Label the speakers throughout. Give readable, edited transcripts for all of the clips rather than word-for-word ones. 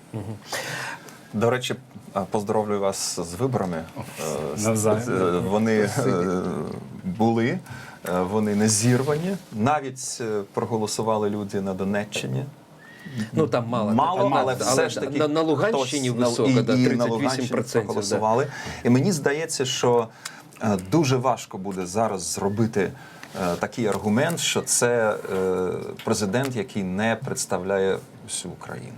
Speaker 1: До речі, поздоровлюю вас з виборами.
Speaker 2: Навзаєм.
Speaker 1: Вони були, вони не зірвані. Навіть проголосували люди на Донеччині.
Speaker 3: Ну там мало,
Speaker 1: Але все ж таки
Speaker 3: на Луганщині
Speaker 1: хтось
Speaker 3: висока, да,
Speaker 1: і на Луганщині
Speaker 3: 38%.
Speaker 1: проголосували. І мені здається, що дуже важко буде зараз зробити такий аргумент, що це президент, який не представляє всю Україну.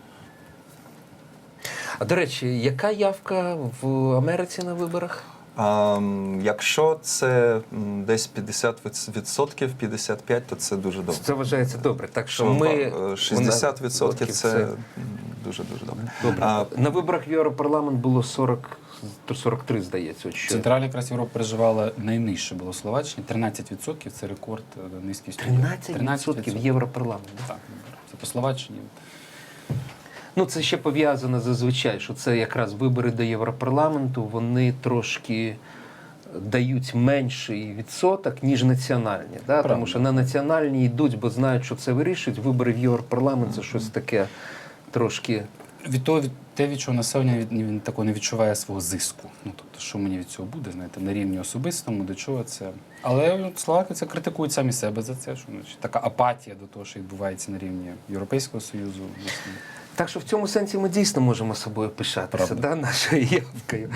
Speaker 3: А до речі, яка явка в Америці на виборах?
Speaker 1: Якщо це десь 50%, 55%, то це дуже добре.
Speaker 3: Це вважається добре. Так що ми
Speaker 1: 60% це дуже-дуже добре.
Speaker 3: Добре. На виборах в Європарламент було 43, здається. От що.
Speaker 2: Центральна якраз Європа переживала найнижче було в Словаччині. 13% це рекорд низькості.
Speaker 3: 13% в Європарламент.
Speaker 2: Так, це по Словаччині.
Speaker 3: Ну, це ще пов'язано зазвичай, що це якраз вибори до Європарламенту, вони трошки дають менший відсоток, ніж національні. Да? Тому що на національні йдуть, бо знають, що це вирішують. Вибори в Європарламент – це щось таке трошки...
Speaker 2: Від того, те, від чого населення він такого не відчуває свого зиску. Ну, тобто, що мені від цього буде, знаєте, на рівні особистому, до чого це. Але словаки це критикують самі себе за це, що значить, така апатія до того, що відбувається на рівні Європейського Союзу.
Speaker 3: Так що в цьому сенсі ми дійсно можемо собою пишатися, да, нашою явкою.